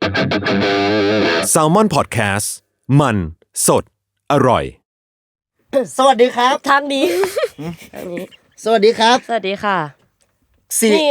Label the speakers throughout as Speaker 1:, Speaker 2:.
Speaker 1: Salmon Podcast มันสดอร่อย
Speaker 2: สวัสดีครับ
Speaker 3: ทางนี้
Speaker 2: สวัสดีครับ
Speaker 3: สวัสดีค่ะ
Speaker 2: นี่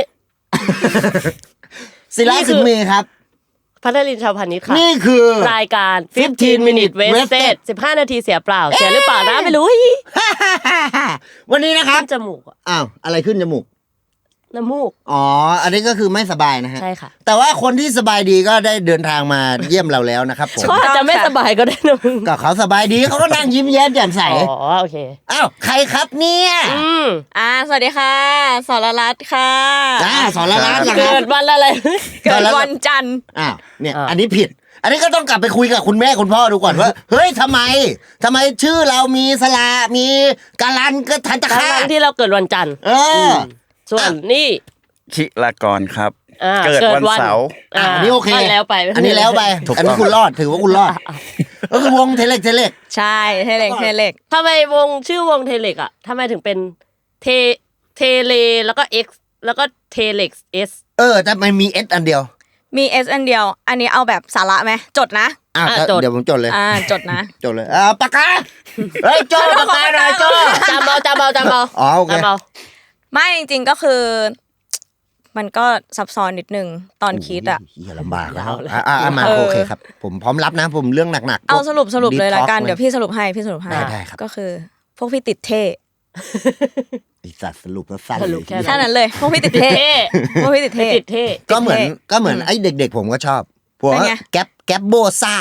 Speaker 2: ศิลาสิงห์มีครับ
Speaker 3: พัทลินชาวพานิชค่ะ
Speaker 2: นี่คือ
Speaker 3: รายการ15 minute wasted 15 นาทีเสียเปล่าเสียหรือเปล่านะไม่รู้
Speaker 2: วันนี้นะครับ
Speaker 3: จมูก
Speaker 2: อ้าวอะไรขึ้นจมูก
Speaker 3: น้ำมูก
Speaker 2: อ๋ออันนี้ก็คือไม่สบายนะฮะ
Speaker 3: ใช่ค่ะ
Speaker 2: แต่ว่าคนที่สบายดีก็ได้เดินทางมาเยี่ยมเราแล้วนะครับผม
Speaker 3: ก็จะไม่สบายก็ได้นะมึง
Speaker 2: ก็เขาสบายดีเขาก็นั่งยิ้มแย้มแจ่มใส
Speaker 3: อ๋อโอเค
Speaker 2: อ้าวใครครับเนี่ย
Speaker 4: สวัสดีค่ะสรรัตน์ค่ะ
Speaker 2: สรรัตน์
Speaker 3: เกิดวันอะไร
Speaker 4: เกิดวันจันทร์
Speaker 2: เนี่ยอันนี้ผิดอันนี้ก็ต้องกลับไปคุยกับคุณแม่คุณพ่อดูก่อนว่าเฮ้ยทำไมชื่อเรามีสระมีการันก็ทันตะค่า
Speaker 3: ที่เราเกิดวันจันทร์ส่วนนี่
Speaker 5: ชิลากรครับเกิดวันเสาร์
Speaker 2: อันนี้โอเค
Speaker 3: แล้วไป
Speaker 2: อันนี้แล้วไปอันนี้คุณรอดถือว่าคุณรอดก็คือวงเทเล็ก
Speaker 4: ใช่เทเล็ก
Speaker 3: ทำไมวงชื่อวงเทเล็กอ่ะทำไมถึงเป็นเเลแล้วก็ X แล้วก็เทเล็ก S
Speaker 2: แต่มันมี S อันเดียว
Speaker 4: มี S อันเดียวอันนี้เอาแบบสาระไหมจดนะ
Speaker 2: เดี๋ยวผมจดเลย
Speaker 4: จดนะ
Speaker 2: จดเลยปากกาเฮ้ยโจ้ปากกาหน่อยโจ้
Speaker 3: จำเอา
Speaker 2: อ๋อโอเค
Speaker 4: ไม่จริงๆก็คือมันก็ซับซ้อนนิดนึงตอนคิด
Speaker 2: อย่าลำบากแล้วมาโอเคครับผมพร้อมรับนะผมเรื่องหนักๆ
Speaker 4: เอาสรุปเลยละกันเดี๋ยวพี่สรุปให้
Speaker 2: ได้ครับ
Speaker 4: ก็คือพวกพี่ติดเท่
Speaker 2: ไอ้สัตว์สรุปแล้วสั้นเลย
Speaker 4: แค่นั้นเลยพวกพี่ติดเท่
Speaker 2: ก็เหมือนไอ้เด็กๆผมก็ชอบพวกแก๊ปโบซ่า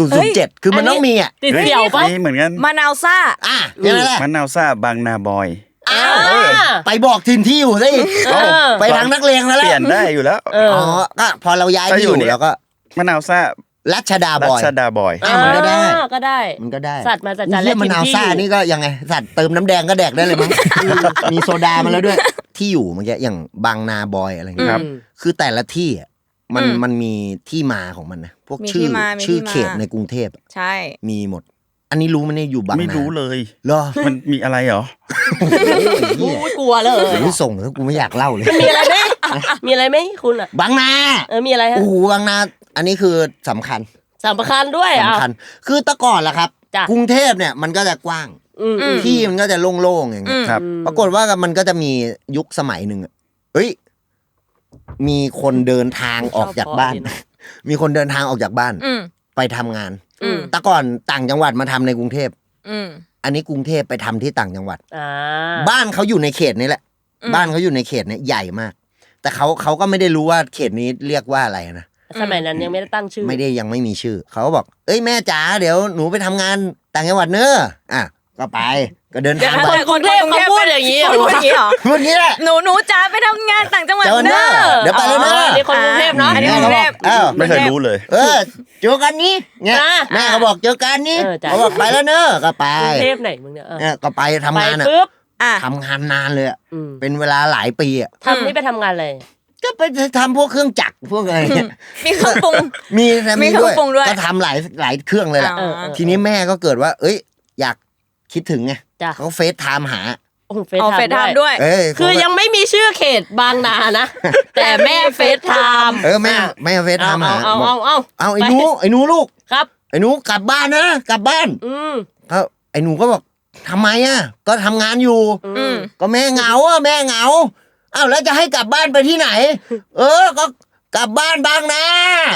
Speaker 2: 007คือมันต้องมี
Speaker 3: ติดเสี่ยวป่ะ
Speaker 5: เหมือนกัน
Speaker 4: มะนาวซ่า
Speaker 2: นี่แหละ
Speaker 5: มะนาวซ่าบางนาบอย
Speaker 2: ไปบอกถิ่นที่อยู่สิไปทางนักเลงแล้ว
Speaker 5: เปลี่ยนได้อยู่แล้ว
Speaker 2: ก็พอเราย้ายที่อยู่แล้วก็
Speaker 5: มะนาวซ่า
Speaker 2: รัชดาบอย
Speaker 3: มันก็ได้สัตว์มาจัด
Speaker 2: แล้วมะนาวซ่านี่ก็ยังไงสัตว์เติมน้ำแดงก็แดกได้เลยมั้งมีโซดามาแล้วด้วยที่อยู่เมื่อกี้อย่างบางนาบอยอะไรอย่างเงี้ยคือแต่ละที่มันมีที่มาของมันนะพวกชื่อเขตในกรุงเทพ
Speaker 4: ใช่
Speaker 2: มีหมดอันนี้รู้มั้ยเนี่ยอยู่บางนา
Speaker 5: ไม่รู้เลย
Speaker 2: เหรอ
Speaker 5: มันมีอะไรเหรอ
Speaker 3: โอ้ยกลัวเลย
Speaker 2: ไม่ส่งแล้วกูไม่อยากเล่าเลย
Speaker 3: มีอะไรมั้ยคุณอ่ะ
Speaker 2: บางนา
Speaker 3: มีอะไรฮะ
Speaker 2: โอ้โหบางนาอันนี้คือสำคัญ
Speaker 3: ด้วย
Speaker 2: สำคัญคือแต่ก่อนล่ะครับกรุงเทพเนี่ยมันก็จะกว้างที่มันก็จะโล่งๆอย่างเงี้ยปรากฏว่ามันก็จะมียุคสมัยนึงเฮ้ยมีคนเดินทางออกจากบ้านมีคนเดินทางออกจากบ้านไปทำงานแต่ก่อนต่างจังหวัดมาทำในกรุงเทพอันนี้กรุงเทพไปทำที่ต่างจังหวัดบ้านเขาอยู่ในเขตนี้แหละบ้านเขาอยู่ในเขตนี้ใหญ่มากแต่เขาก็ไม่ได้รู้ว่าเขตนี้เรียกว่าอะไรนะ
Speaker 3: สมัยนั้นยังไม่ได้ตั้งชื่อ
Speaker 2: ยังไม่มีชื่อเขาก็บอกเอ้ยแม่จ๋าเดี๋ยวหนูไปทำงานต่างจังหวัดเนอะก็ไปก็เดินทาง
Speaker 3: ไปคนกรุงเทพเขาพูดอย่างนี้
Speaker 4: พูดอย่างนี้เหรอ
Speaker 2: พูดอย่างนี้แหละ
Speaker 4: หนูจ๋าไปทำงานต่างจังหวัดเนอะ
Speaker 2: เดี๋ยวไปแล้วเนอะ
Speaker 3: นี่คนกรุงเทพเนาะ
Speaker 4: อันนี้กรุงเทพ
Speaker 5: ไม่เคยรู้เลย
Speaker 2: เจอกันนี้เนี่ยแม่เขาบอกเจอกันนี้เขาบอกไปแล้วเนอะก็ไป
Speaker 3: กรุงเทพไหนมึงเนี่ย
Speaker 2: ก็ไปทำงานทำงานนานเลยเป็นเวลาหลายปี
Speaker 3: ทำนี่ไปทำงานเลย
Speaker 2: ก็ไปทำพวกเครื่องจักรพวกอะไร
Speaker 4: มีเครื่องปรุง
Speaker 2: มีด้วยก็ทำหลายเครื่องเลยแหละทีนี้แม่ก็เกิดว่าเอ้ยอยากคิดถึงไงเขาเฟซไทม์หา
Speaker 4: เฟซไทม์ด้วย
Speaker 3: คือยังไม่มีชื่อเขตบางนานะแต่แม่เฟซไทม์
Speaker 2: แม่เฟซไทม์หา
Speaker 3: เอา
Speaker 2: ไอ้หนูลูก
Speaker 3: ครับ
Speaker 2: ไอ้หนูกลับบ้านนะกลับบ้านเขาไอ้หนูก็บอกทำไมก็ทำงานอยู่ก็แม่เหงาอ้าวแล้วจะให้กลับบ้านไปที่ไหนก็กลับบ้านบ้างนะ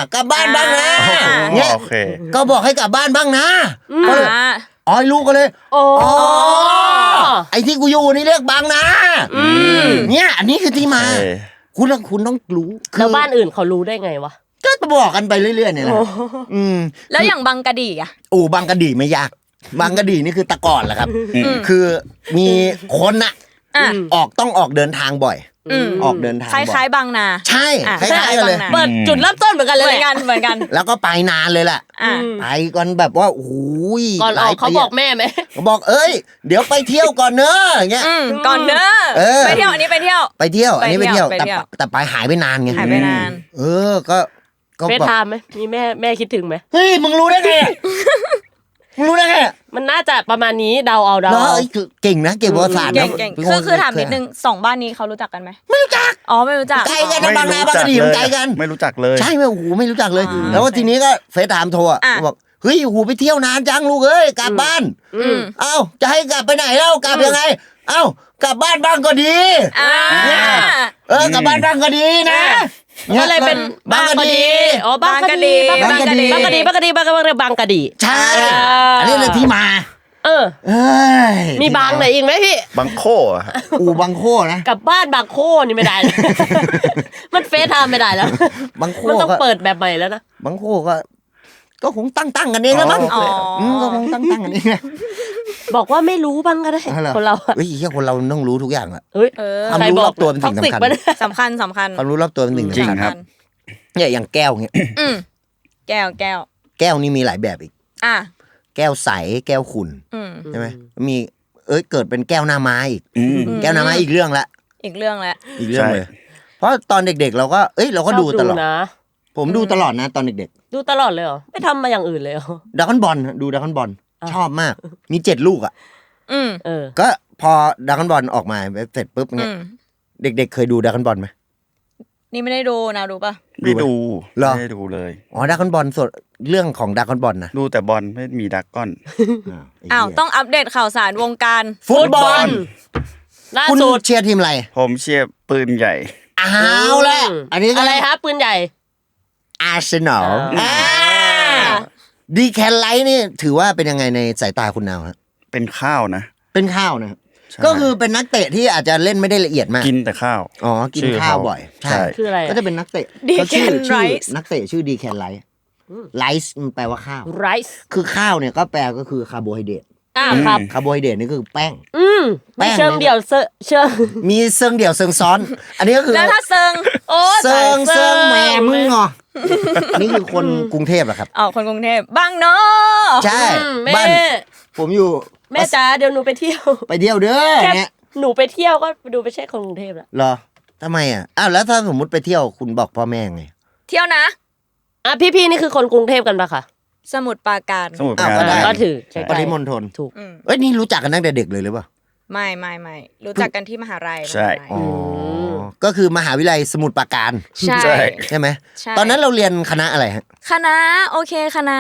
Speaker 2: เนี่ยก็บอกให้กลับบ้านบ้างนะก็เลยไอ้ลูกก็เลยไอ้ที่กูอยู่นี่เรียกบางนาเนี่ยอันนี้คือที่มาคุณต้องรู้
Speaker 3: แล้วบ้านอื่นเขารู้ได้ไงวะ
Speaker 2: ก็บอกกันไปเรื่อยๆเนี่ยแหละ
Speaker 4: แล้วอย่างบางกะดี
Speaker 2: บางกะดีไม่ยากบางกะดีนี่คือตะก่อนแหละครับคือมีคนต้องออกเดินทางบ่อยออกเดินทาง
Speaker 4: คล้ายๆบางนา
Speaker 2: ใช่คล้ายๆกันเลย
Speaker 3: เปิดจุดเริ่มต้นเหมือนกันเลย
Speaker 4: เหมือนกัน
Speaker 2: แล้วก็ไปนานเลยแหละไปกันแบบว่าโอ้ย
Speaker 3: ก่อนออกเขาบอกแม่ไหม
Speaker 2: เขาบอกเดี๋ยวไปเที่ยวก่อนเนอะอย่างเงี้ย
Speaker 4: ก่อนเนอะไปเที่ยวอันนี้ไปเที่ยว
Speaker 2: อันนี้ไปเที่ยวแต่ไปหายไปนานไงก็
Speaker 3: เฟซไทม์ไหมมีแม่คิดถึงไหม
Speaker 2: เฮ้ยมึงรู้ได้ไงรู้ได้ไง
Speaker 3: มันน่าจะประมาณนี้เดาเอา
Speaker 2: แล้วเก่งนะเก่งประวัติศาสตร์
Speaker 4: เก่งคือถามนิดนึง2บ้านนี้เขารู้จักกันไหมไม่รู้จักไม่รู้จัก
Speaker 2: ไกลกันนะบางนาบางกะดีมันไกลกัน
Speaker 5: ไม่รู้จักเลย
Speaker 2: ใช่ไหมโอ้โหไม่รู้จักเลย แล้วทีนี้ก็เฟซถามโทรบอกเฮ้ยโอ้โหไปเที่ยวนานจังลูกเอ้ยกลับบ้านเอ้าจะให้กลับไปไหนแล้วกลับยังไงเอ้ากลับบ้านบ้างก็ดีกลับบ้านบ้างก็ดีนะ
Speaker 3: ก็เลยเป็นบางกะดีอ๋อบางกะดีบางกะดี
Speaker 2: ใช่อันนี้เลยที่มา
Speaker 3: มีบางไหนอีกไหมพี่
Speaker 5: บางโค
Speaker 2: บางโคนะ
Speaker 3: กลับบ้านบางโคนี่ไม่ได้มันเฟซไทม์ไม่ได้แล้ว
Speaker 2: บางโค
Speaker 3: มันต้องเปิดแบบใหม่แล้วนะ
Speaker 2: บางโคก็คงตั้งกันเองแล้วมั้งก็คงตั้งกันเอง
Speaker 3: บอกว่าไม่รู้บ้างก็ได้คนเรา
Speaker 2: เฮ้ยคนเราต้องรู้ทุกอย่างอะ
Speaker 3: ความ
Speaker 2: รู้รอบตัวเป็นสิ่ง
Speaker 4: สำคัญ
Speaker 2: ความรู้รอบตัวเป็นสิ่ง
Speaker 5: จริงครับ
Speaker 2: เนี่ยอย่างแก้วเงี้ย
Speaker 4: แก้
Speaker 2: วนี่มีหลายแบบอีกแก้วใสแก้วขุ่นใช่ไหมมีเกิดเป็นแก้วหน้าไม้อีกแก้วหน้าไม้อีกเรื่องละอีกเรื่องเลยเพราะตอนเด็กๆเราก็เราก็ดูตลอดผมดูตลอดนะตอนเด็ก
Speaker 3: ๆดูตลอดเลยเหรอไม่ทำมาอย่างอื่นเลยเหรอ
Speaker 2: ดราก้อนบอลดูดราก้อนบอลชอบมากมี7 ลูกอ่ะก็พอดราก้อนบอลออกมาเสร็จปุ๊บเนี่ยเด็กๆเคยดูดราก้อนบอลไหม
Speaker 4: นี่ไม่ได้ดูนะดูป่ะ
Speaker 5: ไม่ดู
Speaker 2: ไม่
Speaker 5: ได้ดูเลย
Speaker 2: ดราก้อนบอลสดเรื่องของดราก้อนบอลนะ
Speaker 5: ดูแต่บอลไม่มีดราก้อน
Speaker 4: ต้องอัปเดตข่าวสารวงการ
Speaker 2: ฟุตบอล
Speaker 3: ล่าสุด
Speaker 2: เชียร์ทีมอะไร
Speaker 5: ผมเชียร์ปืนใหญ่
Speaker 2: เอาละอันนี้
Speaker 3: อะไรครับปืนใหญ่
Speaker 2: อาร์เซนอลดีแคนไลท์นี่ถือว่าเป็นยังไงในสายตาคุณนาวฮะ
Speaker 5: เป็นข้าวนะ
Speaker 2: ก็คือเป็นนักเตะที่อาจจะเล่นไม่ได้ละเอียดมาก
Speaker 5: กินแต่ข้าว
Speaker 2: กินข้าวบ่อยใช่
Speaker 3: คืออะไร
Speaker 2: ก็จะเป็นนักเตะก็ชื่อนักเตะชื่อดีแคนไลท์ไลซ์มันแปลว่าข้าว
Speaker 3: ไรซ์
Speaker 2: คือข้าวเนี่ยก็แปลก็คือคาร์โบไฮเดรต
Speaker 3: ครับ
Speaker 2: คาร์โบไฮเดรตนี่คือแป้ง
Speaker 3: มีเชิงเดี่ยวเชิง
Speaker 2: มีเชิงเดี่ยวเชิงซ้อนอันนี้ก็คือ
Speaker 4: แล้วถ้าเชิง
Speaker 2: เชิงแม่มึงนี่คือคนกรุงเทพเหรอครับ
Speaker 4: คนกรุงเทพบางเนาะ
Speaker 2: ใช่บ้านผมอยู่
Speaker 3: แม่จ๋าเดี๋ยวหนูไปเที่ยว
Speaker 2: เด้อเนี่ย
Speaker 3: หนูไปเที่ยวก็ดูไปเช็คคนกรุงเทพแล้ว
Speaker 2: เหรอทำไมแล้วถ้าสมมติไปเที่ยวคุณบอกพ่อแม่ไง
Speaker 4: เที่ยวนะ
Speaker 3: พี่นี่คือคนกรุงเทพกันปะคะ
Speaker 4: สมุทรปราการ
Speaker 3: ก็ถือ
Speaker 2: ปริมณฑล
Speaker 3: ถูก
Speaker 2: นี่รู้จักกันตั้งแต่เด็กเลยหรือเปล่า
Speaker 4: ไม่รู้จักกันที่มหาลัย
Speaker 5: ใช่
Speaker 2: ก็คือมหาวิทยาลัยสมุทรปราการใช่ไหมตอนนั้นเราเรียนคณะอะไรฮะ
Speaker 4: คณะโอเคคณะ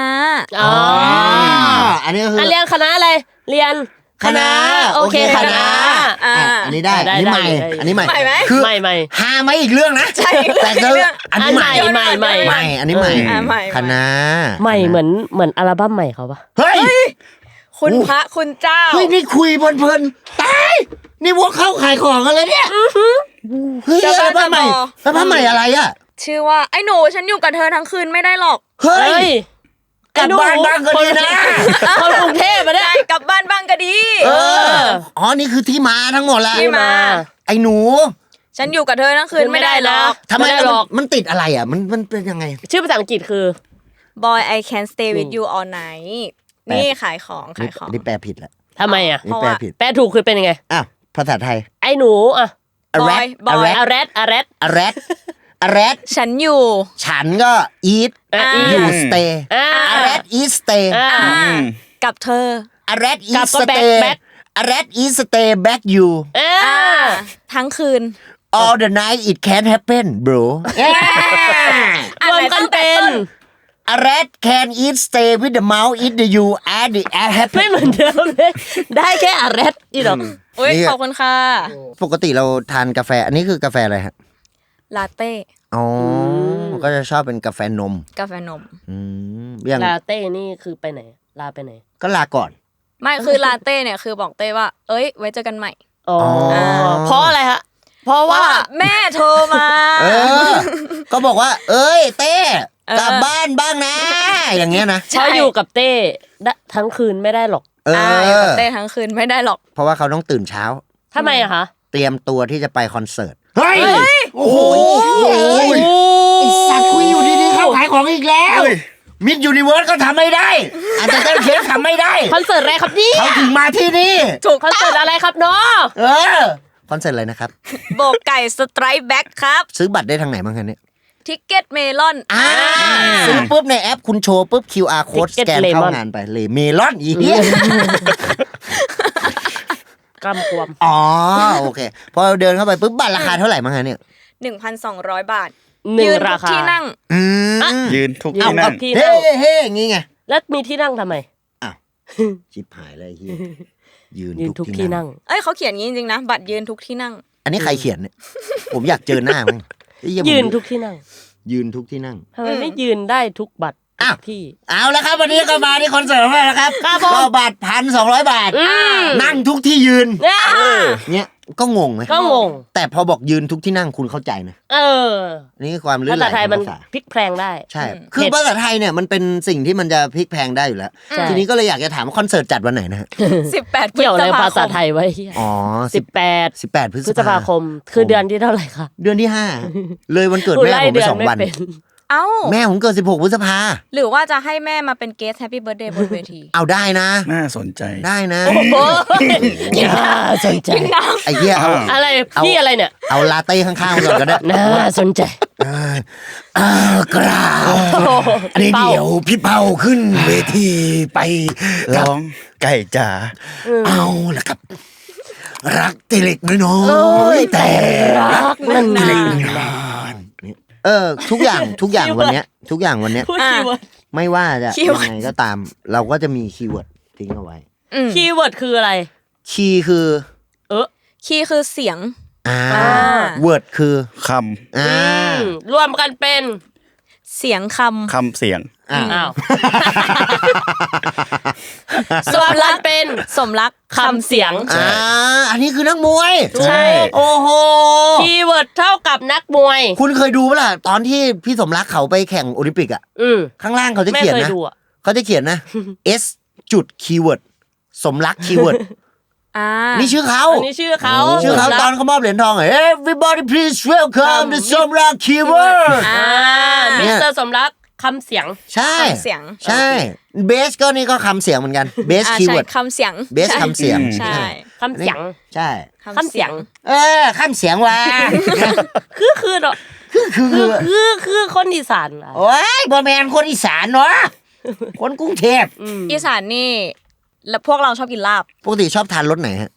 Speaker 2: อันนี้ก็คือ
Speaker 3: เรียนคณะอะไรเรียนคณะโอเคคณะ
Speaker 2: อันนี้ได้อันนี้ใหม่คือใหม่หาไม่อีกเรื่องนะ
Speaker 4: ใช่
Speaker 2: แต่อันนี้ใหม่อันนี้ใหม่คณะ
Speaker 3: ใหม่เหมือนอัลบั้มใหม่เขาปะ
Speaker 2: เฮ้ย
Speaker 4: คุณพระคุณเจ้า
Speaker 2: เฮ้ยนี่คุยเพลินๆตายนี่พวกเข้าขายของกันเลยเนี่ยเฮ้ยอัลบั้มใหม่อะไรอ่ะ
Speaker 4: ชื่อว่าไอ้หนูฉันอยู่กับเธอทั้งคืนไม่ได้หรอก
Speaker 2: เฮ้ยกลับบ้านบ้างก็ดีนะ
Speaker 3: คนกรุงเทพมาได้
Speaker 4: กลับบ้านบ้างก็ดี
Speaker 2: นี่คือที่มาทั้งหมดแล้ว
Speaker 4: ที่มา
Speaker 2: ไอ้หนู
Speaker 4: ฉันอยู่กับเธอทั้งคืนไม่ได้หรอก
Speaker 2: ทำไมมันติดอะไรอ่ะมันเป็นยังไง
Speaker 3: ชื่อภาษาอังกฤษคือ
Speaker 4: Boy I Can't Stay with You All Night นี่ขายของ
Speaker 2: นี่แปลผิดแหละ
Speaker 3: ทำไมอ่ะ
Speaker 2: นี่แปลผิด
Speaker 3: แปลถูกคือเป็นยังไง
Speaker 2: ภาษาไทย
Speaker 3: ไอ้หนู
Speaker 4: arrest ฉันอยู่
Speaker 2: ฉันก็ eat อยู่ stay arrest eat stay
Speaker 4: กับเธอ
Speaker 2: arrest eat stay arrest eat stay back you
Speaker 4: ทั้งคืน
Speaker 2: all the night it can't happen bro
Speaker 3: รวมกันเป็น
Speaker 2: arrest can eat stay with the mouth eat the you add the add happen
Speaker 3: ไม่เหมือนเดิมเลยได้แค่ arrest อีหรอ
Speaker 4: ขอบคุณค่ะ
Speaker 2: ปกติเราทานกาแฟอันนี้คือกาแฟอะไรฮะ
Speaker 4: ลาเต้
Speaker 2: ก็จะชอบเป็นกาแฟนม
Speaker 3: อย่างลาเต้นี่คือไปไหนลาไปไหน
Speaker 2: ก็ลาก่อน
Speaker 4: ไม่คือลาเต้เนี่ยคือบอกเต้ว่าไว้เจอกันใหม่
Speaker 3: เพราะอะไรฮะเพราะว่า
Speaker 4: แม่โทรมา
Speaker 2: ก็บอกว่าเต้กลับบ้านบ้างนะอย่างเงี้ยนะ
Speaker 3: เพราะอยู่กับเต้ทั้งคืนไม่ได้หรอก
Speaker 4: อยู่กับเต้ทั้งคืนไม่ได้หรอก
Speaker 2: เพราะว่าเขาต้องตื่นเช้า
Speaker 3: ทำไมอะคะ
Speaker 2: เตรียมตัวที่จะไปคอนเสิร์ตเฮ้ยโอ้โหไอ้สัตว์คุยอยู่ดีๆเข้าขายของอีกแล้วมิดยูนิเวิร์สก็ทำไม่ได้อาจจะเคสทำไม่ได้
Speaker 3: คอนเสิร์ตอะไรครับนี่
Speaker 2: เขาถึงมาที่นี่
Speaker 3: ถูกคอนเสิร์ตอะไรครับเนาะ
Speaker 2: คอนเสิร์ตอะไรนะครับ
Speaker 4: โบกไก่สไตร์แบ็คครับ
Speaker 2: ซื้อบัตรได้ทางไหนบ้างคะเนี่ย
Speaker 4: ทิกเก็ตเมลอน
Speaker 2: ซื้อปุ๊บในแอปคุณโชว์ปุ๊บ QR code สแกนเข้างานไปเลยเมลอนอีเหี้ย
Speaker 3: กำกวม
Speaker 2: อ๋อโอเคพอเดินเข้าไปปุ๊บบัตรราคาเท่าไหร่มั้งฮะเนี่ย
Speaker 4: 1,200 บาท
Speaker 3: 1
Speaker 4: ยืน
Speaker 3: รา
Speaker 4: ทุก
Speaker 3: คา
Speaker 4: ที่นั่ง
Speaker 5: ยืนทุกที่นั่ง
Speaker 3: ที่
Speaker 2: เฮ้
Speaker 3: นั่ง
Speaker 2: เฮ้อย่างงี้ไง
Speaker 3: แล้วมีที่นั่งทำไม
Speaker 2: อ้าวชิบหายเลยเฮียยื
Speaker 3: ยื
Speaker 2: น
Speaker 3: น
Speaker 2: ทุ
Speaker 3: ทุ
Speaker 2: ก
Speaker 3: ก
Speaker 2: ที่
Speaker 3: ที่
Speaker 2: นั่
Speaker 3: นั่
Speaker 2: ง
Speaker 3: ง
Speaker 4: เอ้ยเขาเขียนงี้จริงๆนะบัตรยืนทุกที่นั่ง
Speaker 2: อันนี้ใครเขียนเนี่ย ผมอยากเจอหน้ามั้ง
Speaker 3: ยืนทุกที่นั่ง
Speaker 2: ยืนทุกที่นั่ง
Speaker 3: ทำไมไม่ยืนได้ทุกบัตรทุกที่
Speaker 2: เอาละครับวันนี้ก็มาที่คอนเสิร์ตของเราแล้วครับก็บัตร1,200 บาทนั่งทุกที่ยืนเนี่ยก็งงไหม
Speaker 3: ก็งง
Speaker 2: แต่พอบอกยืนทุกที่นั่งคุณเข้าใจนะนี่คือความลื่นไหล
Speaker 3: ภาษาไทยมัน
Speaker 2: ภาษา
Speaker 3: พลิกแพลงได้
Speaker 2: ใช่คือภาษาไทยเนี่ยมันเป็นสิ่งที่มันจะพลิกแพลงได้อยู่แล้วทีนี้ก็เลยอยากจะถามว่าคอนเสิร์ตจัดวันไหนนะฮะ
Speaker 4: 18
Speaker 3: เกี่ยวอะไรภาษาไทยไว้
Speaker 2: อ๋อ18 พฤษภาคม
Speaker 3: คือเดือนที่เท่าไหร่คะ
Speaker 2: เดือนที่5เลยวันเกิดแม่ผมไป2 วัน
Speaker 4: เอ้า
Speaker 2: แม่ผมเกิด16 พฤษภา
Speaker 4: หรือว่าจะให้แม่มาเป็นเกสต์แฮปปี้เบิร์ธเดย์บนเวที
Speaker 2: เอาได้นะ
Speaker 5: น่าสนใจ
Speaker 2: ได้นะ
Speaker 3: น่าสนใจ
Speaker 2: ไอ้เหี้ยเอา
Speaker 3: อะไรพี่อะไรเนี่ย
Speaker 2: เอาลาเต้ข้างๆก่อนก็ได้
Speaker 3: น่าสนใจ
Speaker 2: กราบอันนี้เดี๋ยวพี่เปาขึ้นเวทีไป
Speaker 5: ร้องไก่จ๋า
Speaker 2: เอาละครับรักเล็กน้อยแต่
Speaker 3: รักน
Speaker 2: านทุกอย่างวันเนี้ยไม่ว่าจะยังไงก็ตามเราก็จะมีคีย์เวิร์ดทิ้งเอาไว้
Speaker 3: คีย์เวิร์ดคืออะไร
Speaker 2: คีย์คือ
Speaker 4: คีย์คือเสียง
Speaker 2: เวิร์ดคือ
Speaker 5: ค
Speaker 3: ำรวมกันเป็น
Speaker 4: เสียงค
Speaker 5: ำเสียง
Speaker 3: อ้าวสมรักเป็นสมรักคำเสียง
Speaker 2: อันนี้คือนักมวย
Speaker 3: ใช่
Speaker 2: โอ้โห
Speaker 3: คีย์เวิร์ดเท่ากับนักมวย
Speaker 2: คุณเคยดูป่ะล่ะตอนที่พี่สมรักเขาไปแข่งโอลิมปิกอ่ะข้างล่างเขาจะเขียนนะเขาจะเขียนนะ S จุดคีย์เวิร์ดสมรักคีย์เวิร์ดนี่ชื่อเขา
Speaker 3: ชื่อเขา
Speaker 2: ตอนเขามอบเหรียญทอง Everybody please welcome the สมรักคีย์เวิร์ด
Speaker 3: มิสเตอร์สมรักคำเสียง
Speaker 2: ใช่ใช่เบสก็นี่ก็คำเสียงเหมือนกันเบสคีย์เวิร์ด
Speaker 4: คำเสียง
Speaker 2: เบสคำเสียง
Speaker 4: ใช่
Speaker 3: คำเสียง
Speaker 2: ใช่
Speaker 3: คำเสียง
Speaker 2: คำเสียงว่ะ
Speaker 3: คือเนาะคือคนอีสาน
Speaker 2: โอ้ยบ่แม่นคนอีสานเนาะคนกรุงเทพ
Speaker 4: อีสานนี่แล้วพวกเราชอบกินลาบ
Speaker 2: ปกติชอบทานรสไหนฮะ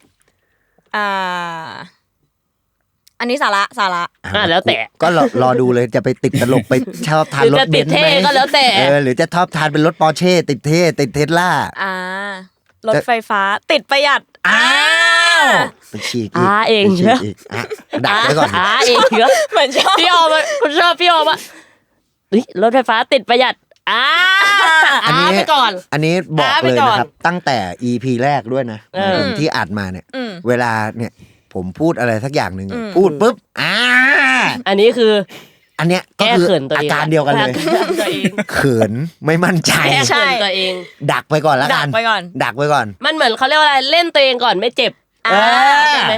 Speaker 4: อันนี้สาระ
Speaker 3: แล้วแต่
Speaker 2: ก็รอดูเลยจะไปติดตลกไปชอบทานรถเบนซ์ไหม
Speaker 3: ก็แล้วแต่
Speaker 2: หรือจะชอบทานเป็นรถปอร์เช่ติดเท่ติดเทสลาร
Speaker 4: ถไฟฟ้าติดประหยัด
Speaker 2: ไปฉีก
Speaker 3: เองเนอะ
Speaker 2: ดักไว้ก่อน
Speaker 3: เองเนอะ
Speaker 4: เหมือนชอบ
Speaker 3: พี่ออมคุณชอบพี่ออมรถไฟฟ้าติดประหยัดไปก่อน
Speaker 2: อันนี้บอกเลยนะครับตั้งแต่ EP แรกด้วยนะที่อัดมาเนี่ยเวลาเนี่ยผมพูดอะไรสักอย่างหนึ่งพูดปุ๊บ
Speaker 3: อันนี้คือ
Speaker 2: อันเนี้ยก็คืออาการเดียวกันเลยเขินไม่มั่นใจ
Speaker 3: ใช่ตัวเอง
Speaker 2: ดักไปก่อนแล้วกันดักไปก่อน
Speaker 3: มันเหมือนเขาเรียกว่าอะไรเล่นตัวเองก่อนไม่เจ็บใช่ไหม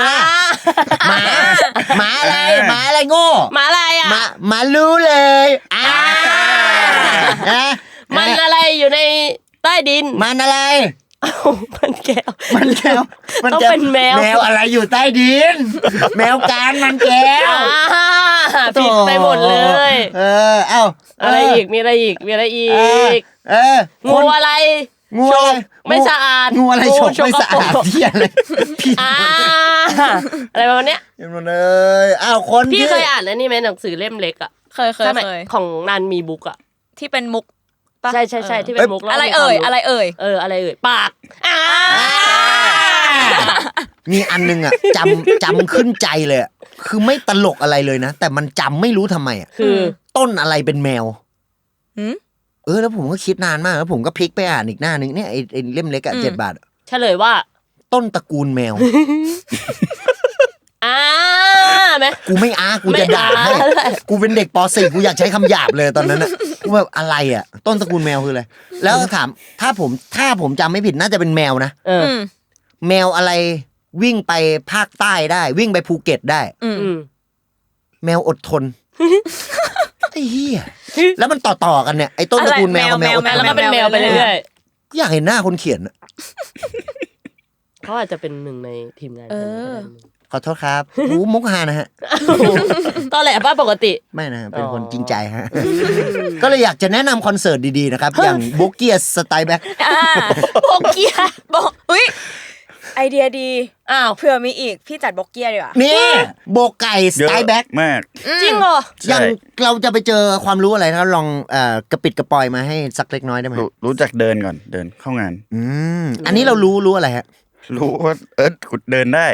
Speaker 2: หมาอะไรโง่
Speaker 3: หมาอะไร
Speaker 2: หมารู้เลย
Speaker 3: มันอะไรอยู่ในใต้ดิน
Speaker 2: มันอะไร
Speaker 3: มันแก้ว
Speaker 2: ต้องเป็นแมวอะไรอยู่ใต้ดินแมวการมันแก้ว
Speaker 3: ผิดไปหมดเลย
Speaker 2: เอ้า
Speaker 3: อะไรอีกมีอะไรอีกงูอะไรไม่สะอาด
Speaker 2: งูอะไรฉกไม่สะอาดที่อะไร
Speaker 3: อะไรประมาณเนี้ย
Speaker 2: คน
Speaker 3: พี่เคยอ่านแล้วนี่ไหมหนังสือเล่มเล็กอ่ะ
Speaker 4: เคย
Speaker 3: ของนันมีบุ๊กอ่ะ
Speaker 4: ที่เป็นมุก
Speaker 3: ใช่ที่เป็นมุก
Speaker 4: อะไรเอ่ยอะไรเ
Speaker 3: อ่ยปาก
Speaker 2: มีอันนึงอ่ะจำขึ้นใจเลยคือไม่ตลกอะไรเลยนะแต่มันจำไม่รู้ทำไมอ่ะ
Speaker 3: คือ
Speaker 2: ต้นอะไรเป็นแมวแล้วผมก็คิดนานมากแล้วผมก็พลิกไปอ่านอีกหน้านึงเนี่ยไอ้เล่มเล็กอ่ะ7 บาท
Speaker 3: เฉลยว่า
Speaker 2: ต้นตระกูลแมว
Speaker 3: ไหม
Speaker 2: กูไม่กูจะด่าให้กูเป็นเด็กป .4 กูอยากใช้คำหยาบเลยตอนนั้นน่ะกูแบบอะไรอ่ะต้นตระกูลแมวคืออะไรแล้วถามถ้าผมจำไม่ผิดน่าจะเป็นแมวนะแมวอะไรวิ่งไปภาคใต้ได้วิ่งไปภูเก็ตได้แมวอดทนไอ้เหี้ยแล้วมันต่อกันเนี่ยไอ้ต้นตระกูลแมวกับแมวอดทน
Speaker 3: แล้วก็เป็นแมวไปเรื่อย
Speaker 2: ๆอยากเห็นหน้าคนเขียน
Speaker 3: เขาอาจจะเป็นหนึ่งในทีมงาน
Speaker 2: ขอโทษครับมุกฮานะฮะ
Speaker 3: ตอนแหลป้าปกติ
Speaker 2: ไม่นะเป็นคนจริงใจฮะก็เลยอยากจะแนะนำคอนเสิร์ตดีๆนะครับอย่างโบเกียสไตล์แบ็ค
Speaker 4: โบเกียบอกอุ้ยไอเดียดีเผื่อมีอีกพี่จัดโบเกียดีกว่า
Speaker 2: นี่โบไก่สไตล์แบ็ค
Speaker 5: มาก
Speaker 3: จริงเหรอ
Speaker 2: อย่างเราจะไปเจอความรู้อะไรถ้าลองกระปิดกระปอยมาให้สักเล็กน้อยได้ไหม
Speaker 5: รู้จักเดินก่อนเดินเข้างาน
Speaker 2: อันนี้เรารู้อะไรฮะ
Speaker 5: รู้ว่ากูเดินได้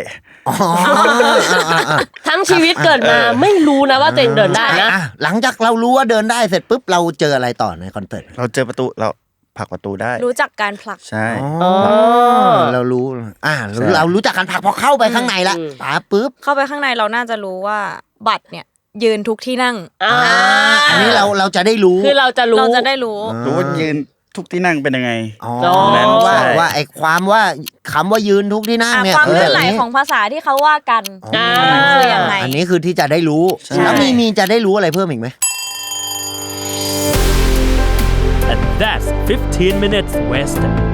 Speaker 3: ทั้งชีวิตเกิดมาไม่รู้นะว่าตัวเองเดินได้นะ
Speaker 2: หลังจากเรารู้ว่าเดินได้เสร็จปุ๊บเราเจออะไรต่อในคอนเสิร์ต
Speaker 5: เราเจอประตูเราผลักประตูได้
Speaker 4: รู้จักการผลัก
Speaker 5: ใช่
Speaker 2: เรารู้เรารู้จักการผลักพอเข้าไปข้างในละปุ๊บ
Speaker 4: เข้าไปข้างในเราน่าจะรู้ว่าบัตรเนี่ยยืนทุกที่นั่ง
Speaker 2: อันนี้เราจะได้รู้
Speaker 3: คือเราจะรู้
Speaker 5: ว่ายืนทุกที่นั่งเป็นยังไง
Speaker 2: ว่าไอ้ความว่าคำว่ายืนทุกที่นั่งเนี่ย
Speaker 4: ความเลื่อนไหลของภาษาที่เขาว่ากันคือยังไง
Speaker 2: อันนี้คือที่จะได้รู้แล้วมีจะได้รู้อะไรเพิ่มอีกไหม
Speaker 1: And that's 15 minutes Western